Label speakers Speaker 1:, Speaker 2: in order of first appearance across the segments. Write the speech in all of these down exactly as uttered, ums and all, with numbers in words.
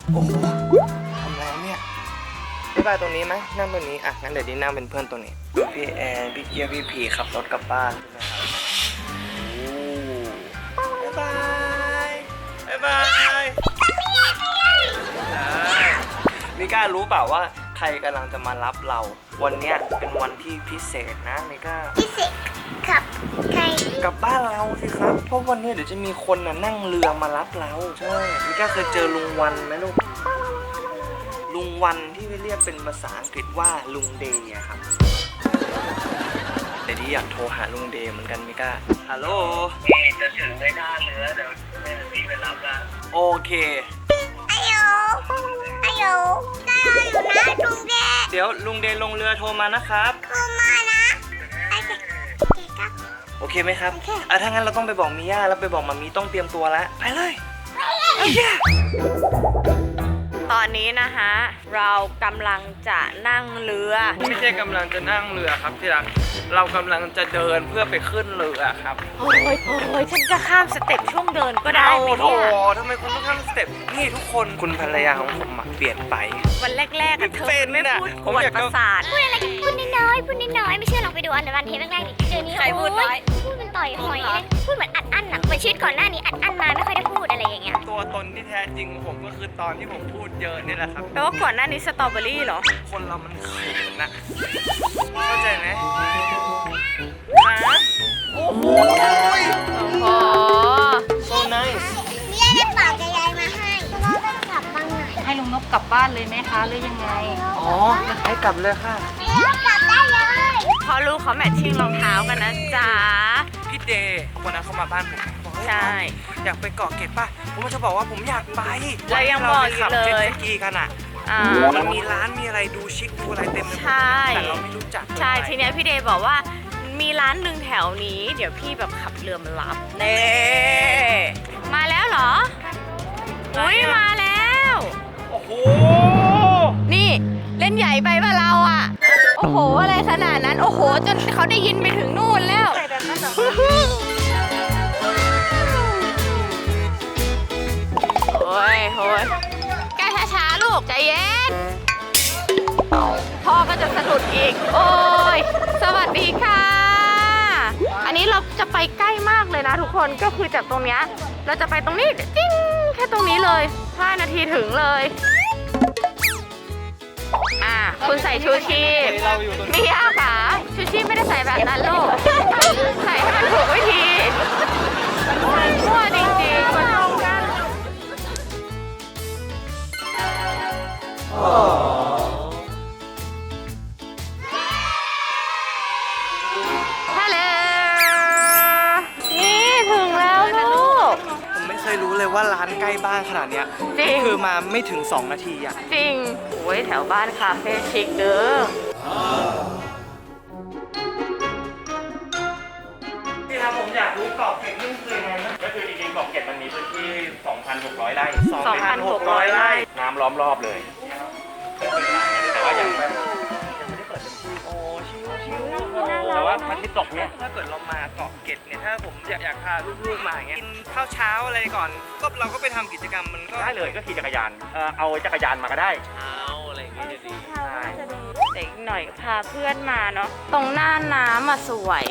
Speaker 1: โอ้โหทำแล้วเนี่ยบ๊ายบายตรงนี้ไหมนั่งตรงนี้อ่ะงั้นเดี๋ยวดินั่งเป็นเพื่อนตรงนี้พี่แอนพี่เกียร์พี่ผีขับรถกลับบ้านนะครับบ๊ายบายบ๊ายบายมิก้ารู้เปล่าว่าใครกำลังจะมารับเราวันเนี้ยเป็นวันที่พิเศษนะมิก้า
Speaker 2: พิเศษครับใคร
Speaker 1: กลับบ้านเราสิครับเพราะวันนี้เดี๋ยวจะมีคนน่ะนั่งเรือมารับเราใช่มิก้าเคยเจอลุงวันไหมลูกลุงวันที่เรียกเป็นภาษาอังกฤษว่าลุงเดย์ครับแต่ที่อยากโทรหาลุงเดย์เหมือนกันมิก้าฮัลโหลจะถึงไม่ได้เรือเดี๋ยวพี่ไปรับละโอเค
Speaker 2: อายุอายุได้อยู่นะลุงเดย์
Speaker 1: เดี๋ยวลุงเดย์ลงเรือโทรมานะครับ
Speaker 2: โทรมานะโอเคครับ
Speaker 1: โอเคไหมครับอ่ะถ้างั้นเราต้องไปบอกมิย่าแล้วไปบอกมามีต้องเตรียมตัวแล้วไปเลยโอเค
Speaker 3: ตอนนี้นะคะเรากำลังจะนั่งเรือ
Speaker 1: ไม่ใช่กำลังจะนั่งเรือครับที่รักเรากำลังจะเดินเพื่อไปขึ้นเรือครับ
Speaker 3: โอ้ยโอ้ยฉันจะข้ามสเต็ปช่วงเดินก็ได้ไหมเนี่ย
Speaker 1: โอ้ทำไมคุณต้องข้ามสเต็ปนี่ทุกคนคุณภรรยาของผมเปลี่ยนไป
Speaker 3: วันแรกๆอะเธอไม่พูดปวดประสาท
Speaker 2: พูดอะไรกันพูดน้อยๆพูดน้อยๆไม่เชื่อลองไปดูอันวันเทปแรกๆดิเดี๋ยวนี้
Speaker 3: ใครพูดน้อย
Speaker 2: พูดมันต่อยหอยเลยพูดเหมือนอัดอั้นอะเหมือนชีวิตก่อนหน้านี้อัดอั้นมาไม่ค่อยได้พูดอะไรอย่างเงี้ย
Speaker 1: ตัวตนที่แท้จริงผมก็คือตอนที่ผมพูดเยอะนี่แหละครับ
Speaker 3: แปลว่าก่อนหน้านี้สตรอเบอรี่เหรอ
Speaker 1: คนเรามันเขินนะเข้าใจไหมโอ้โห
Speaker 3: โอ้โห
Speaker 1: so nice
Speaker 2: มีอะไรฝากยายมาให้เราต้องกลับบ้านไหน
Speaker 3: ให้ลุงนกกลับบ้านเลยไหมคะหรือยังไง
Speaker 1: อ๋อให้กลับเลยค่ะ
Speaker 2: เรากลับได้เลย
Speaker 3: พอลูกเขาแมทชิ่งรองเท้ากันนะจ๊ะ
Speaker 1: พี่เดย์วันนั้นเขามาบ้านผมบอก
Speaker 3: ใช่
Speaker 1: อยากไปเกาะเกร็ดป่ะผมจะบอกว่าผมอยากไป
Speaker 3: เรายังบอกอยู่เลย
Speaker 1: เจ็ตสกีกันอ่ะมันมีร้านมีอะไรดูชิคดูอะไรเต็มเลยแต่เราไม่รู้จัก
Speaker 3: ใช่ทีเนี้ยพี่เดย์บอกว่ามีร้านหนึ่งแถวนี้เดี๋ยวพี่แบบขับเรือมารับเน่มาแล้วเหรออุ้ยมาแล้ว
Speaker 1: โอ้โห
Speaker 3: นี่เล่นใหญ่ไปป่ะเราอ่ะโอ้โหอะไรขนาดนั้นโอ้โหจนเขาได้ยินไปถึงนู่นแล้วโอ้ยโอ้ยแกช้าๆลูกใจเย็นพ่อก็จะสะดุดอีกโอ้ยสวัสดีค่ะอันนี้เราจะไปใกล้มากเลยนะทุกคนก็คือจากตรงเนี้ยเราจะไปตรงนี้จิ้งแค่ตรงนี้เลยห้านาทีถึงเลยอ่ะคุณใส่ชูชีพมีย่าขาชูชีพไม่ได้ใส่แบบนั้นลูกใส่ให้มันถูกวิธีมั่วจริงๆคนตรงกันฮัลโหลนี่ถึงแล้วลูก
Speaker 1: ผมไม่เคยรู้เลยว่าร้านใกล้บ้านขนาดเนี้ยคือมาไม่ถึงสองนาทีอ่ะ
Speaker 3: จริงโอ้ยแถวบ้านคาเฟ่ชิคเด้อ
Speaker 1: พี่ครับผมอยากรู้เกาะเกร็ดนี่คือยังไงนะก็คือจริงๆเกาะเกร็ดมันมีพื้นที่ สองพันหกร้อย ไร่
Speaker 3: สองพันหกร้อย ไร่
Speaker 1: น้ำล้อมรอบเลยแต่ว่ายังไม่ได้เปิดเต็มที่โอ้ชิวๆแต่ว่ามันที่ตกเนี่ยถ้าเกิดเรามาเกาะเกร็ดเนี่ยถ้าผมอยากอยากพาลูกๆมาอย่างเงี้ยกินข้าวเช้าอะไรก่อนก็เราก็ไปทำกิจกรรมมันก็
Speaker 4: ได้เลยก็ขี่จักรยานเออเอาจักรยานมาก็ได้
Speaker 1: เช้าอะไรอย่างเงี้ยจะดี
Speaker 3: ใช่เด็กหน่อยพาเพื่อนมาเนาะตรงหน้าน้ำอ่ะสวย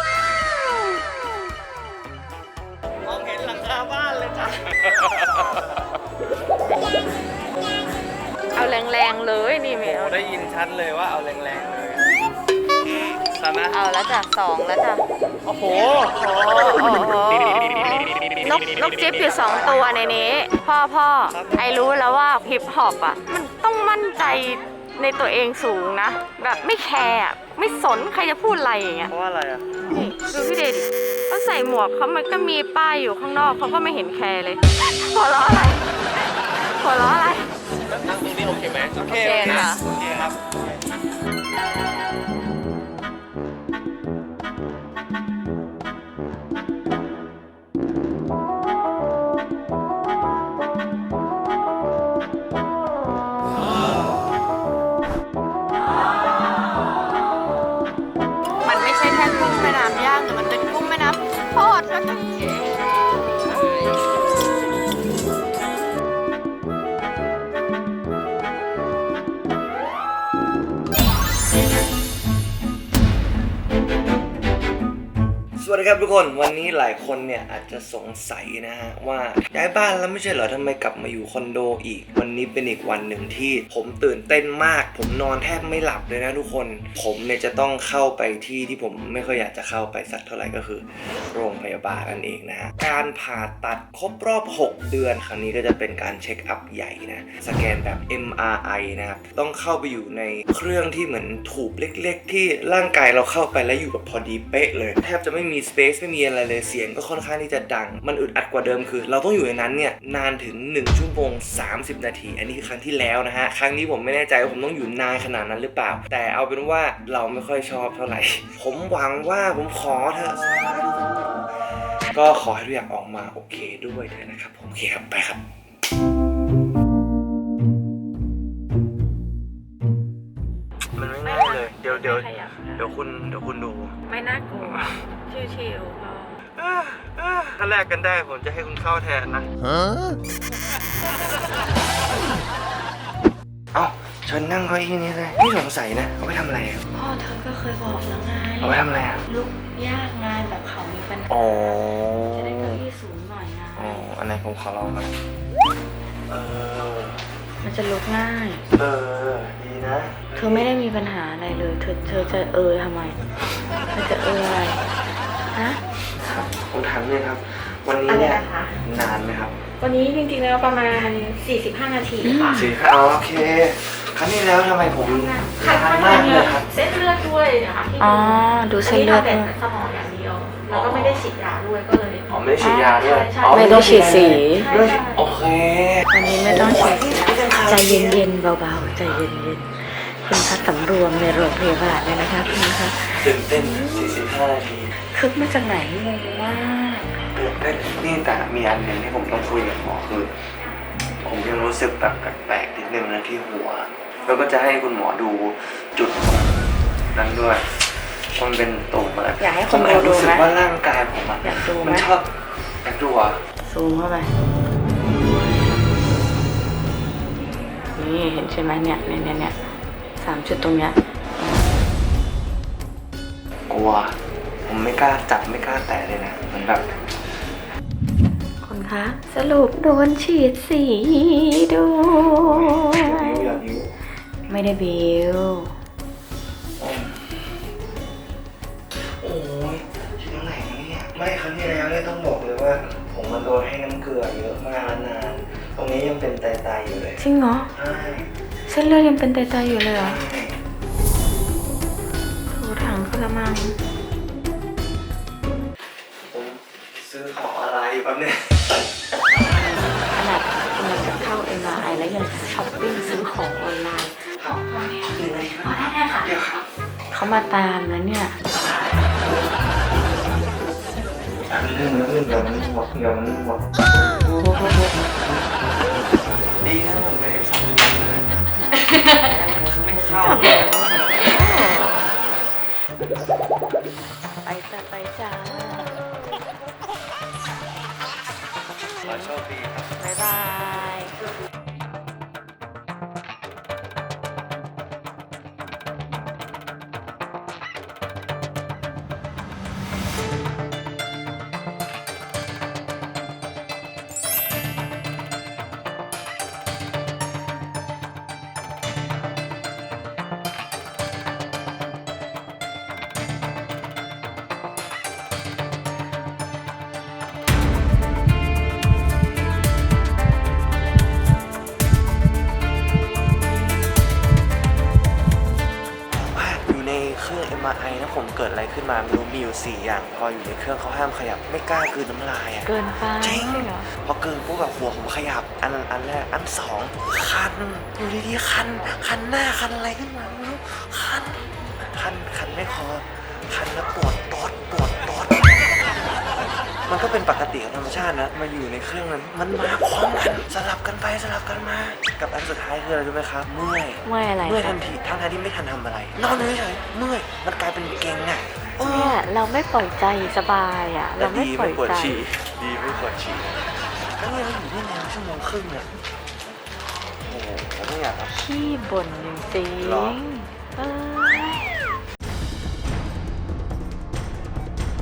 Speaker 1: มองเห็นหลังคาบ้านเลยจ้ะ
Speaker 3: เอาแรงๆเลยนี่เมล
Speaker 1: ได้ยินชัดเลยว่าเอาแรงๆเลยใช่ไหม
Speaker 3: เอาแล้วจ้ะสองแล้วจ้ะ
Speaker 1: โอ้โห
Speaker 3: นกนกจิ๊บอยู่สองตัวในนี้พ่อพ่อไอรู้แล้วว่าฮิปฮอปอ่ะมันต้องมั่นใจในตัวเองสูงนะแบบไม่แคร์ไม่สนใครจะพูดอะไรอย่างเงี้ย
Speaker 1: เพราะว่าอะไรอ่ะ
Speaker 3: นี่ดูพี่เดดิเขาใส่หมวกเขามันก็มีป้ายอยู่ข้างนอกเขาก็ไม่เห็นแคร์เลยหัวเราะอะไรหัวเราะอะไร
Speaker 1: นั่งตรงนี้โอเคไหมโอเค
Speaker 3: ค่ะ
Speaker 1: โอเคครับ
Speaker 3: มันไม่ใช่แค่กุ้งแม่น้ำย่างแต่มันเป็นกุ้งแม่น้ำทอดแล้วก็
Speaker 5: วัสดีครับทุกคนวันนี้หลายคนเนี่ยอาจจะสงสัยนะฮะว่าย้ายบ้านแล้วไม่ใช่เหรอทำไมกลับมาอยู่คอนโดอีกวันนี้เป็นอีกวันหนึ่งที่ผมตื่นเต้นมากผมนอนแทบไม่หลับเลยนะทุกคนผมเนี่ยจะต้องเข้าไปที่ที่ผมไม่ค่อยอยากจะเข้าไปสักเท่าไหร่ก็คือโรงพยาบาลนั่นเองนะฮะการผ่าตัดครบรอบหกเดือนครั้งนี้ก็จะเป็นการเช็คอัพใหญ่นะสแกนแบบ เอ็ม อาร์ ไอ นะครับต้องเข้าไปอยู่ในเครื่องที่เหมือนถูบเล็กๆที่ร่างกายเราเข้าไปแล้วอยู่แบบพอดีเป๊ะเลยแทบจะไม่มีสเปซไม่มีอะไรเลยเสียงก็ค่อนข้างที่จะดังมันอึดอัดกว่าเดิมคือเราต้องอยู่ในนั้นเนี่ยนานถึงหนึ่งชั่วโมงสามสิบนาทีอันนี้คือครั้งที่แล้วนะฮะครั้งนี้ผมไม่แน่ใจว่าผมต้องอยู่นานขนาดนั้นหรือเปล่าแต่เอาเป็นว่าเราไม่ค่อยชอบเท่าไหร่ผมหวังว่าผมขอเถอะก็ขอให้ทุกอย่างออกมาโอเคด้วยเถอะนะครับโอเคครับไปครับมันไม่ง่ายเลยเดี๋ยวเดี๋ยวเดี๋ยวคุณเดี๋ยวคุณดู
Speaker 3: ไม่น่ากลัวชิวๆพอ
Speaker 5: ถ้าแลกกันได้ผมจะให้คุณเข้าแทนนะเอ้าเชิญนั่งเก้าอี้นี้เลยไม่สงสัยนะเอาไปทำอะไรอ่ะ
Speaker 3: พ่อเธอก็เคยบอกแล้วไง
Speaker 5: เอาไปทำอะไรอ่ะ
Speaker 3: ลุกยากงานแบบเขามีปัญหา
Speaker 5: อ๋อ
Speaker 3: จะได้เก้าอี้สูงหน่อยนะ
Speaker 5: อ๋ออันไหนผมขอลองหน่อยเออ
Speaker 3: มันจะลุกง่าย
Speaker 5: เออดีนะ
Speaker 3: เธอไม่ได้มีปัญหาอะไรเลย เธอเธอจะเออทำไมเธอจะเอออะไรฮะ
Speaker 5: ครับผมถามเลยครับ วันนี้เนี่ยนานไหมครับ
Speaker 6: วันนี้จริงๆแล้วประมาณสี่สิบห้านาทีค่ะ
Speaker 5: สี่ค่ะโอเคครั้งนี้แล้วทำไมผม
Speaker 6: คัด
Speaker 5: นาน
Speaker 6: มาม
Speaker 5: าก
Speaker 6: ก
Speaker 5: เลยครับ
Speaker 6: เส้นเลือดด้วยนะคะที่
Speaker 3: อ๋อดูเส้นเลือด
Speaker 6: แต่
Speaker 3: ด้วย
Speaker 6: สมองอย่างเดียว แล้วก็ไม่ได้ฉีดยาด้วยก็เลย
Speaker 5: อ๋อไม่ได้ฉีดยาด้วย
Speaker 6: ใช่
Speaker 5: อ๋อ
Speaker 3: ไม่ต้องฉีดสี
Speaker 5: ไม่ต้องฉีดโอเค
Speaker 3: วันนี้ไม่ต้องฉีดสีใจเย็นๆเบาๆใจเย็นๆคุณพักสำรวมในโรงพยาบาลเลยนะคะคุณคะ
Speaker 5: ตื่นเต้นสี่สิบห้านาที
Speaker 3: คึกมาจากไหนงงมาก
Speaker 5: ตื่นเต้นนี่แต่มีอันหนึ่งที่ผมต้องคุยกับหมอคือผมยังรู้สึกแบบแปลกๆนิดนึงนะที่หัวแล้วก็จะให้คุณหมอดูจุดนั้นด้วยมันเป็นตุ่มอะไร
Speaker 3: อยากให้
Speaker 5: ผ
Speaker 3: คุ
Speaker 5: ม
Speaker 3: ณ
Speaker 5: แอบ
Speaker 3: ดู
Speaker 5: รู้สึก
Speaker 3: ไหม
Speaker 5: ว่าร่างกายผมอะ
Speaker 3: อยากดูไหม
Speaker 5: มันชอบอยากดูอ่ะ
Speaker 3: ซูมเข้าไปนี่เห็นใช่ไหมเนี่ยเนี่ยเนี่ยเนี่ยสามจุดตรงเนี้ย
Speaker 5: กลัวผมไม่กล้าจับไม่กล้าแตะเลยนะมันแบบ
Speaker 3: คุณคะสรุปโดนฉีดสีด้วย
Speaker 5: อยากยิ้ว
Speaker 3: ไม่ได้บิว
Speaker 5: โอ้ยชิ้นไหนเนี่ยไม่ครั้งที่แล้วเนี่ยต้องบอกเลยว่า ผมมันโดนให้น้ำเกลือเยอะมากแล้วนานตรงนี้ยังเป็นไตๆอยู่เลย
Speaker 3: จริงเหรอ
Speaker 5: ใช่
Speaker 3: เส้นเลือดยังเป็นไตๆอยู่เลยเหรอ
Speaker 5: ใช่
Speaker 3: ถูถังกระมัง
Speaker 5: ผมซื้อของอะไรแป๊บนึง
Speaker 3: ขนาดกำลังจะเข้า เอ็ม อาร์ ไอ แล้วยังช้อปปิ้งซื้อของออนไลน์
Speaker 5: ครับหนึ่งนาทีครับ
Speaker 6: ได้ค่ะ
Speaker 5: เดี๋ยวครับ
Speaker 3: เขามาตามแล้วเนี่ย
Speaker 5: แป๊บนึงแป๊บนึงเดี๋ยวมันหมดเดี๋ยวมันหมดดีนะผมไม่ได้สั่งเลยไม่เข้า
Speaker 3: ไปจ้ะไปจ้า
Speaker 5: ขอโชคดีครับ
Speaker 3: บ๊ายบาย
Speaker 5: ว่าอยู่ในเครื่อง เอ็ม อาร์ ไอ นะผมเกิดอะไรขึ้นมาไม่รู้มีอยู่สี่อย่างพออยู่ในเครื่องเขาห้ามขยับไม่กล้ากลืนน้ำลายอ่ะ
Speaker 3: เกินไป
Speaker 5: จริง
Speaker 3: ใช่เหรอ
Speaker 5: พอเกินปุ๊บแบบหัวผมขยับอันอันแรกอันสองคันอยู่ดีๆคันคันหน้าคันอะไรขึ้นมาไม่รู้คันคันคันไม่พอคันแล้วปวดตดปวดตดมันก็เป็นปกติของธรรมชาตินะมาอยู่ในเครื่องนั้นมันมาพร้อมกันสลับกันไปสลับกันมากับอันสุดท้ายคืออะไรรู้ไหมครับเมื่อย
Speaker 3: เมื่อยอะไร
Speaker 5: เมื่อยทั
Speaker 3: คะ
Speaker 5: นทีทั้งทที่ไม่ทันทำอะไรนอนเฉยๆเมื่อยมันกลายเป็นเกร็งอ่ะเอ
Speaker 3: เนี่
Speaker 5: อย
Speaker 3: เราไม่ปล่อยใจสบายอ่ะ
Speaker 5: แล้
Speaker 3: เรา
Speaker 5: ว
Speaker 3: ไม่
Speaker 5: ดี
Speaker 3: ปล่
Speaker 5: ไม่
Speaker 3: อย
Speaker 5: ปวด
Speaker 3: ใจ
Speaker 5: ฉี่ดีไม่ปวดฉี่แล้วเนี่ยเราอยู่ได้นานชั่วโมงครึ่งเนี่ยโอ้โหผมไม่อยากครับ
Speaker 3: ขี้บ่นจริง
Speaker 5: หรอ
Speaker 3: ๆเออ
Speaker 5: ก็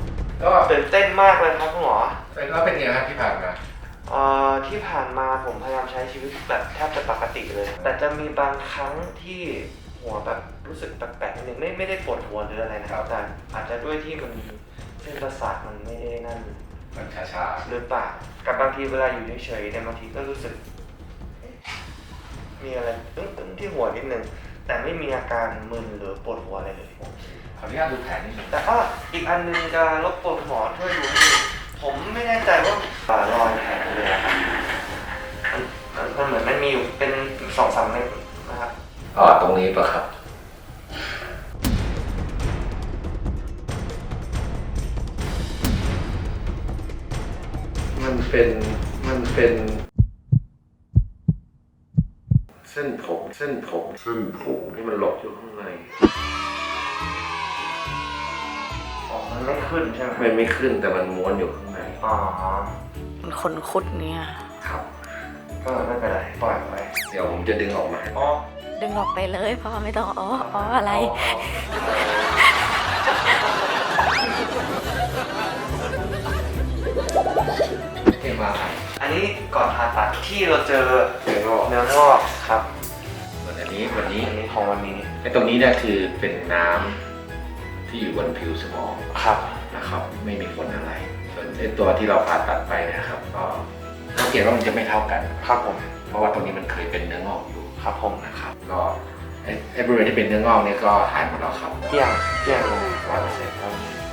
Speaker 5: ก็ตื่นเต้นมากเลยครับคุณหมอ
Speaker 7: แล้วเป็นไงครับที่ผ่านมา
Speaker 5: เอ่อที่ผ่านมาผมพยายามใช้ชีวิตแบบแทบจะปกติเลย แต่จะมีบางครั้งที่หัวแบบรู้สึกแปลกๆนิดนึงไม่ไม่ได้ปวดหัวหรืออะไรนะครับแต่อาจจะด้วยที่มันเส้นประสาทมันไม่ได้นั่น
Speaker 7: มันชา
Speaker 5: หรือเปล่ากับบางทีเวลาอยู่เฉยๆเนี่ยบางทีก็รู้สึกเอ๊ะมีอะไรตึ้งๆที่หัวนิดนึงแต่ไม่มีอาการมึนหรือปวดหัวอะไรเลย
Speaker 7: ๆขออนุญาตดูแผลนิดนึง
Speaker 5: แต่ก็อีกอันนึงจะรบกวนหมอช่วยดูให้ดูผมไม่แน่ใจว่าป่ารอยแผลเลยอะครับมันมันเหมือนมันมีอยู่เป็นสองสามเม็ดนะครับ
Speaker 7: อ๋อตรงนี้ปะครับมันเป็นมันเป็นเส้นผมเส้นผมเส้นผมที่มันหลบอยู่ข้างใน
Speaker 5: อ๋อมันไม่ขึ้นใช่ไหม
Speaker 7: มันไม่ขึ้นแต่มันม้วนอยู่ข้างใน
Speaker 5: อ๋อ
Speaker 3: มันคนคุดเนี่ย
Speaker 7: ครับ
Speaker 5: ก็ไม่เป็นไรปล่อยไป
Speaker 7: เดี๋ยวผมจะดึงออกมา
Speaker 5: อ๋อ
Speaker 3: ดึงออกไปเลยพ่อไม่ต้องอ๋ออ๋ออะไร
Speaker 7: เอ็มอาร์ไอ
Speaker 5: อันนี้ก่อนผ่าตัดที่เราเจอ
Speaker 7: เนื้องอก
Speaker 5: เนื้องอกครับ
Speaker 7: ส่วนอันนี้วันนี้
Speaker 5: อันนี้ของวันนี้
Speaker 7: ไอ้ตรงนี้เนี่ยคือเป็นน้ำที่อยู่บนผิวสมอง
Speaker 5: ครับ
Speaker 7: นะครับ ไม่มีผลอะไร ส่วนไอ้ตัวที่เราผ่าตัดไปนะครับก็สังเกตว่ามันจะไม่เท่ากัน
Speaker 5: ครับผม
Speaker 7: เพราะว่าตรงนี้มันเคยเป็นเนื้องอกอยู่
Speaker 5: ครับผม
Speaker 7: นะครับ ก็ไอ้ไอ้บริเวณที่เป็นเนื้องอกเนี่ยก็หายหมดแล้วครับ
Speaker 5: เกลี้ยงเกลี้ยงเลย
Speaker 7: ร้อยเปอร์เซ็นต์ครับ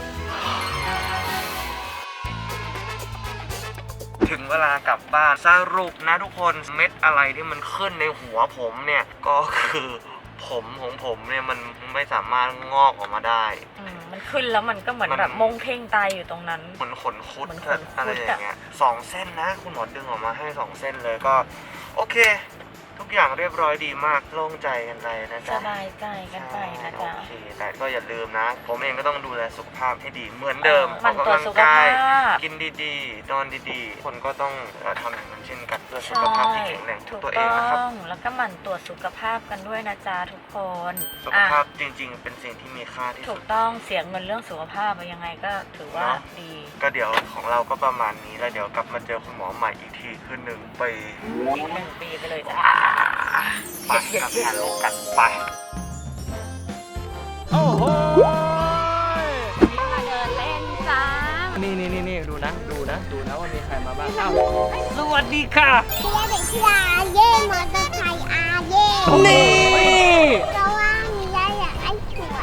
Speaker 5: ถึงเวลากลับบ้านสรุปนะทุกคนเม็ดอะไรที่มันขึ้นในหัวผมเนี่ยก็คือผมของผมเนี่ยมันไม่สามารถงอกออกมาได้
Speaker 3: อืมมันขึ้นแล้วมันก็เหมือน
Speaker 5: มัน
Speaker 3: แบบมงเพ่งตายอยู่ตรงนั้น
Speaker 5: เหมือนขนคุด
Speaker 3: เหมือนขนคุด
Speaker 5: อะไรอย่างเงี้ยสองเส้นนะคุณหมอดึงออกมาให้สองเส้นเลยก็โอเค ทุกอย่างเรียบร้อยดีมากโล่งใจกันไปนะ
Speaker 3: ส
Speaker 5: จ๊ะ
Speaker 3: บายใจกันไปนะจ๊ะ
Speaker 5: โอเคแต่ก็อย่าลืมนะ ผมเองก็ต้องดูแลสุขภาพให้ดีเหมือนเดิม
Speaker 3: หมั่น
Speaker 5: ออก
Speaker 3: ตรวจ
Speaker 5: กำลัง
Speaker 3: สุข
Speaker 5: กาย
Speaker 3: ภาพ
Speaker 5: กินดีๆนอนดีๆ คนก็ต้องเอ่อทำอย่างนั้นเช่นกันเพื่อสุขภาพที่แข็งแรงของ
Speaker 3: ถูก
Speaker 5: ตัวเอ
Speaker 3: ต้
Speaker 5: งนะครับ
Speaker 3: องแล้วก็หมั่นตรวจสุขภาพกันด้วยนะจ๊ะทุกคน
Speaker 5: สุข
Speaker 3: อ่ะ
Speaker 5: ภาพจริงๆ เป็นสิ่งที่มีค่าที่
Speaker 3: ถู
Speaker 5: สุ
Speaker 3: ก
Speaker 5: ด
Speaker 3: ต้องเสียเงินเรื่องสุขภาพอะยังไงก็ถือว่า
Speaker 5: เนาะ
Speaker 3: ดี
Speaker 5: ก็เดี๋ยวของเราก็ประมาณนี้แล้วเดี๋ยวกลับมาเจอคุณหมอใหม่อีกทีคือหนึ่งปี
Speaker 3: อีกหนึ่งปีไปเลยจ้ะ
Speaker 5: ไปกับงานโลกันไป
Speaker 3: มาเดินเล่นจ้า
Speaker 1: นี่นี่นี่นี่ดูนะ ดูนะ ดูนะว่ามีใครมาบ้างอ้าวสวัสดีค่ะ
Speaker 2: เชียร์เด็กกีฬาเย่มอเตอร์ไซค์อาเย่
Speaker 1: นี่
Speaker 2: เพราะว่ามียายอยากให้สวย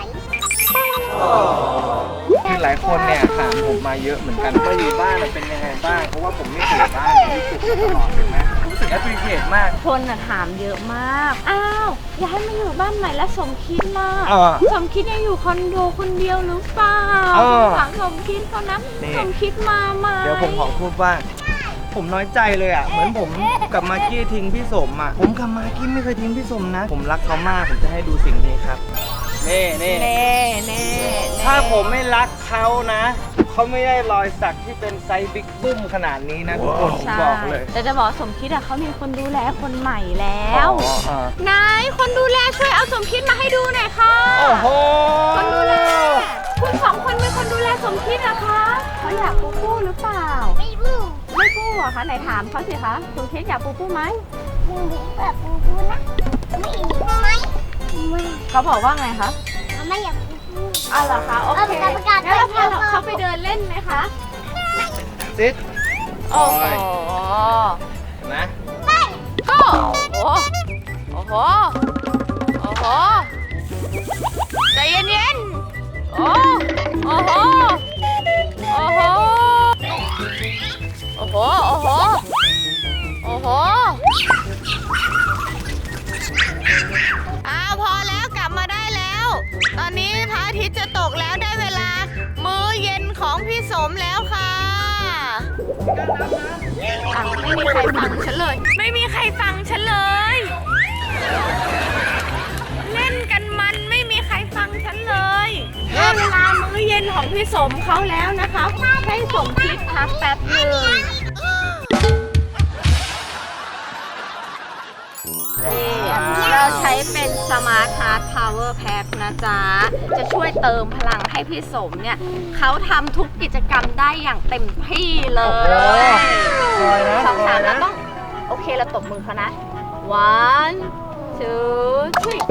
Speaker 1: คือหลายคนเนี่ยถามผมมาเยอะเหมือนกันว่าอยู่บ้านมันเป็นยังไงบ้าง เพราะว่าผมไม่เคยอยู่บ้านผมรู้สึกตลอดเห็นไหมรู้สึกแอปพลิเคชมาก
Speaker 3: คนน่ะถามเยอะมาก อ้าว อยากให้มาอยู่บ้านใหม่แล้วสมคิดล่ะ
Speaker 1: เออ
Speaker 3: สมคิดยังอยู่คอนโดคนเดียวหรือเปล่า
Speaker 1: เออ
Speaker 3: ถามสมคิดเขานะ
Speaker 1: นี่
Speaker 3: สมคิดมาไหม
Speaker 1: เดี๋ยวผมขอพูดว่า ผมน้อยใจเลยอ่ะ เหมือนผมกับมากกี้ทิ้งพี่สมอ่ะ ผมกับมากกี้ไม่เคยทิ้งพี่สมนะ ผมรักเขามาก ผมจะให้ดูสิ่งนี้ครับ นี่นี่
Speaker 3: เน่เน่
Speaker 1: ถ้าผมไม่รักเขานะ เขาไม่ได้รอยสักที่เป็นไซส์บิ๊กบึ้มขนาดนี้นะทุกคนผม
Speaker 3: ใช่
Speaker 1: บอกเลย
Speaker 3: แต่จะบอกสมคิดอะเขามีคนดูแลคนใหม่แล้ว
Speaker 1: อ๋ออ๋อ
Speaker 3: นายคนดูแลช่วยเอาสมคิดมาให้ดูหน่อยค่ะ
Speaker 1: โอ้โห
Speaker 3: คนดูแล คุณสองคนเป็นคนดูแลสมคิดนะคะเขาอยากปูปูหรือเปล่า
Speaker 2: ไม่รู้
Speaker 3: ไม่ปูเหรอคะไหนถามเขาสิคะสมคิดอยากปูปูไหม
Speaker 2: มึงแบบปูปูนะไม่อีกไหมไม่
Speaker 3: เขาบอกว่าไงคะ
Speaker 2: ไม่อยากปูปู
Speaker 3: อ้าวเหรอคะโอเค
Speaker 2: เอาประกาศ
Speaker 3: งั้นเราพา
Speaker 2: ไปเที่ยว
Speaker 3: เขาไปเดินเล่นไหมคะ
Speaker 1: ซิด
Speaker 3: โอ้โห
Speaker 1: เห็นไหม
Speaker 3: ก็โอ้โห โอ้โห โอ้โห ใจเย็นๆ โอ้โอ้โห โอ้โห โอ้โห โอ้โห โอ้โห อ้าวพอแล้วกลับมาได้แล้ว ตอนนี้พระอาทิตย์จะตกแล้วได้เวลา มื้อเย็นของพี่สมแล้วค่ะอ่ะไม่มีใครฟังฉันเลย ไม่มีใครฟังฉันเลย เล่นกันมันไม่มีใครฟังฉันเลยได้เวลามื้อเย็นของพี่สมเขาแล้วนะคะให้สมคิดพักแป๊บหนึงนี่เริ่เราใช้เป็น Smart Heart Power Pack นะจ๊ะ จะช่วยเติมพลังให้พี่สมเนี่ยเขาทำทุกกิจกรรมได้อย่างเต็มที่เลย
Speaker 1: ซอยนะ
Speaker 3: สองสาม
Speaker 1: ซอยนะ
Speaker 3: แล้วต้อง โอเคเราตบมือเขานะ one two three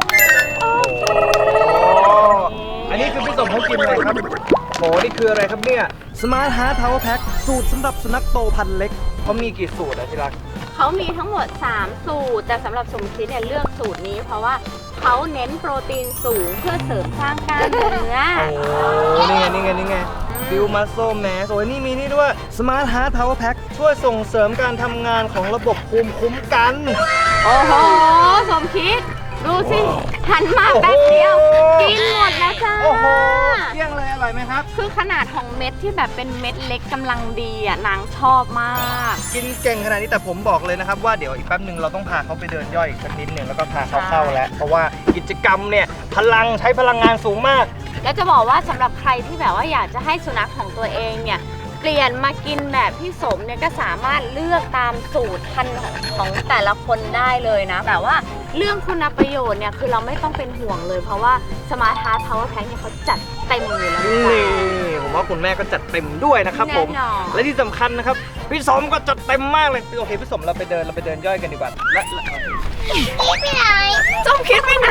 Speaker 1: อันนี้คือพี่สมเขากินอะไรครับโหนี่คืออะไรครับเนี่ย Smart Heart Power Pack สูตรสำหรับสุนัขโตพันธุ์เล็กเขามีกี่สูตรอะที่รัก
Speaker 3: เขามีทั้งหมดสามสูตร แต่สำหรับสมคิดเนี่ยเลือกสูตรนี้ เพราะว่าเขาเน้นโปรตีนสูงเพื่อเสริมสร้างกล้ามเนื้อ
Speaker 1: โอ้นี่ไงนี่ไงนี่ไงฟิวมัสโซแมสโอ้ยนี่มีนี่ด้วย Smart Heart Power Pack ช่วยส่งเสริมการทำงานของระบบภูมิคุ้มกัน
Speaker 3: โอ้โห สมคิด ดูสิ หันมาแป๊บเดียว กินหมดแล้วจ้า
Speaker 1: โอ้โหเที่ยงเลยอร่อยไหมครับ
Speaker 3: คือขนาดของเม็ดที่แบบเป็นเม็ดเล็กกำลังดีอ่ะนางชอบมาก
Speaker 1: กินเก่งขนาดนี้แต่ผมบอกเลยนะครับว่าเดี๋ยวอีกแป๊บหนึ่งเราต้องพาเขาไปเดินย่อยอีกสักนิดหนึ่งแล้วก็พาเขาเข้าแล้ว เพราะว่ากิจกรรมเนี่ยพลังใช้พลังงานสูงมาก
Speaker 3: แล้วจะบอกว่าสำหรับใครที่แบบว่าอยากจะให้สุนัขของตัวเองเนี่ยเปลี่ยนมากินแบบพี่สมเนี่ยก็สามารถเลือกตามสูตรพันธุ์ของของแต่ละคนได้เลยนะ แต่ว่าเรื่องคุณประโยชน์เนี่ยคือเราไม่ต้องเป็นห่วงเลย เพราะว่า Smart Heart Power Pack เนี่ยเขาจัดเต็มอยู่แล้ว
Speaker 1: นี่
Speaker 3: จ้ะ
Speaker 1: ผมว่าคุณแม่ก็จัดเต็มด้วยนะครับผม
Speaker 3: แน่นอน
Speaker 1: และที่สำคัญนะครับพี่สมก็จัดเต็มมากเลยโอเคพี่สมเราไปเดินเราไปเดินย่อยกันดีกว่าและและ
Speaker 2: ไปไหน
Speaker 3: จมคิดไปไหน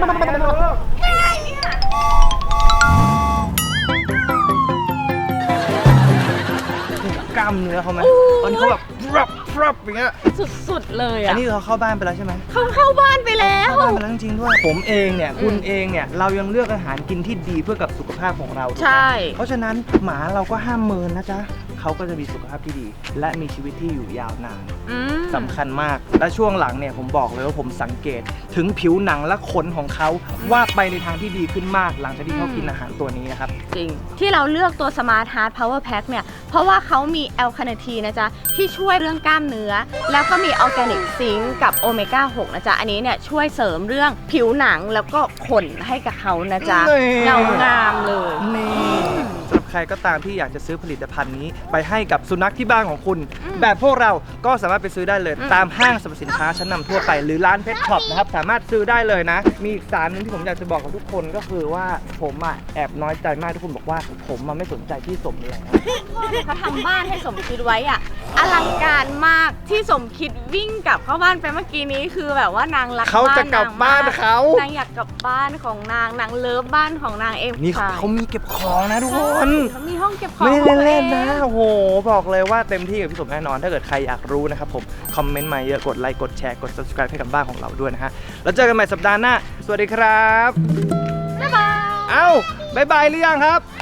Speaker 1: กล้ามเนื้อเขาไหมตอนนี้เขาแบบรับรับอย่างเงี้ย
Speaker 3: สุดๆเลย
Speaker 1: อัน
Speaker 3: อ่ะ
Speaker 1: นี้เขาเข้าบ้านไปแล้วใช่ไหม
Speaker 3: เขาเข้าบ้านไปแล้ว
Speaker 1: เข้าบ้านไปแล้วจริงๆด้วยผมเองเนี่ยคุณ
Speaker 3: อืม
Speaker 1: เองเนี่ยเรายังเลือกอาหารกินที่ดีเพื่อกับสุขภาพของเรา
Speaker 3: ใช่
Speaker 1: เพราะฉะนั้นหมาเราก็ห้ามเมินนะจ๊ะเขาก็จะมีสุขภาพที่ดี และมีชีวิตที่อยู่ยาวนาน
Speaker 3: อืม
Speaker 1: สำคัญมาก และช่วงหลังเนี่ยผมบอกเลยว่าผมสังเกตถึงผิวหนังและขนของเขาว่าไปในทางที่ดีขึ้นมากหลังจากที่เขากินอาหารตัวนี้นะครับ
Speaker 3: จริง ที่เราเลือกตัว Smart Heart Power Pack เนี่ย เพราะว่าเขามีแอลคาเนทีนะจ๊ะ ที่ช่วยเรื่องกล้ามเนื้อ แล้วก็มีออร์แกนิกซิงค์กับโอเมก้าหกนะจ๊ะ อันนี้เนี่ยช่วยเสริมเรื่องผิวหนังแล้วก็ขนให้กับเขานะจ๊ะ
Speaker 1: นี่
Speaker 3: เงางามเลย
Speaker 1: นี่สำหรับใครก็ตามที่อยากจะซื้อผลิตภัณฑ์นี้ไปให้กับสุนัขที่บ้านของคุณ
Speaker 3: อืม
Speaker 1: แบบพวกเราก็สามารถไปซื้อได้เลย
Speaker 3: อืม
Speaker 1: ตามห้างสรรพสินค้าชั้นนำทั่วไปหรือร้านเพชรช็อปนะครับสามารถซื้อได้เลยนะ มีอีกสารหนึงที่ผมอยากจะบอกกับทุกคนก็คือว่าผมอ่ะแอบน้อยใจมากที่คุณบอกว่าผมมันไม่สนใจที่สมเลยนะ
Speaker 3: เขาทำบ้านให้สมคิดไว้อะอลังการมากที่สมคิดวิ่งกลับเข้าบ้านไปเมื่อกี้นี้คือแบบว่านางรัก
Speaker 1: เขาจะกลับบ้าน
Speaker 3: มก
Speaker 1: เขา
Speaker 3: นางอยากกลับบ้านของนางนางเลิฟบ้านของนางเอง
Speaker 1: นี่เขา
Speaker 3: ใช่
Speaker 1: เขามีเก็บของนะทุกคน
Speaker 3: เขามีห้องเก็บของ
Speaker 1: ไม่
Speaker 3: ของ
Speaker 1: ได้
Speaker 3: ตัว
Speaker 1: เล่น
Speaker 3: อง
Speaker 1: ๆนะโอ้โหบอกเลยว่าเต็มที่กับพี่สมแน่นอน ถ้าเกิดใครอยากรู้นะครับผมคอมเมนต์มาเยอะกดไลค์กดแชร์กด subscribe ให้กับบ้านของเราด้วยนะฮะแล้วเจอกันใหม่สัปดาห์หน้าสวัสดีครับ
Speaker 3: บ๊ายบาย
Speaker 1: เอ้าบายบายหรือยังครับ